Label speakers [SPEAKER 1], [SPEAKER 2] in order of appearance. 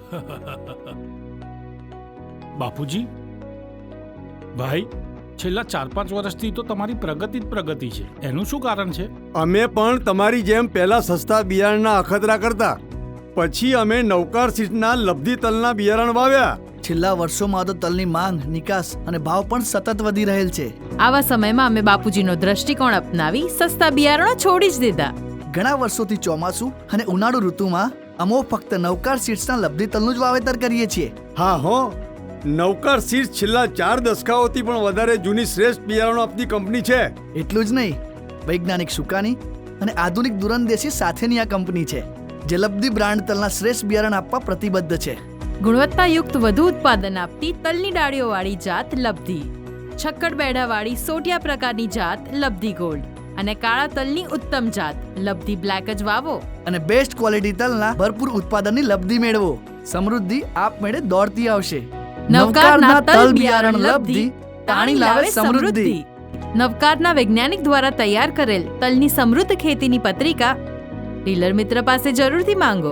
[SPEAKER 1] બાપુજી, ભાઈ, છેલ્લા 4-5 વર્ષથી તો તમારી પ્રગતિ જ પ્રગતિ છે. એનું શું કારણ છે?
[SPEAKER 2] અમે પણ તમારી જેમ પહેલા સસ્તા બિયારણના અખતરા કરતા, પછી અમે નવકાર સીડના લબ્ધિ તલના બિયારણ વાવ્યા.
[SPEAKER 3] છેલ્લા વર્ષોમાં તો તલની માંગ, નિકાસ અને ભાવ પણ સતત વધી રહેલ છે.
[SPEAKER 4] આવા સમયમાં અમે બાપુજીનો દ્રષ્ટિકોણ અપનાવી સસ્તા બિયારણો છોડી જ દીધા.
[SPEAKER 3] ઘણા વર્ષોથી ચોમાસું અને ઉનાળુ ઋતુમાં અમો ફક્ત નવકાર સીડ્સના લબ્ધિ તલનું જ વાવેતર કરીએ છીએ.
[SPEAKER 2] હા હો, નવકાર સીડ્સ છેલ્લા 4 દશકાઓથી પણ વધારે જૂની શ્રેષ્ઠ બિયારણો આપતી કંપની છે.
[SPEAKER 3] એટલું જ નહીં, વૈજ્ઞાનિક સુકાની અને આધુનિક દૂરંદેશી સાથેની આ કંપની છે, જે લબ્ધિ બ્રાન્ડ તલના શ્રેષ્ઠ બિયારણ આપવા પ્રતિબદ્ધ છે.
[SPEAKER 4] ગુણવત્તાયુક્ત વધુ ઉત્પાદન આપતી તલની ડાળીઓવાળી જાત લબ્ધિ, છક્કડ બેડાવાળી સોટિયા પ્રકારની જાત લબ્ધિ ગોલ્ડ અને કાળા તલની ઉત્તમ જાત લબ્ધિ બ્લેક જ વાવો
[SPEAKER 3] અને બેસ્ટ ક્વોલિટી તલના ભરપૂર ઉત્પાદનની લબ્ધિ મેળવો. સમૃદ્ધિ આપમેળે દોડતી આવશે.
[SPEAKER 4] નવકારના તલ બિયારણ લબ્ધિ તાણી લાવે સમૃદ્ધિ. નવકારના વૈજ્ઞાનિક દ્વારા તૈયાર કરેલ તલની સમૃદ્ધ ખેતીની પત્રિકા ડીલર મિત્ર પાસે જરૂરથી માંગો.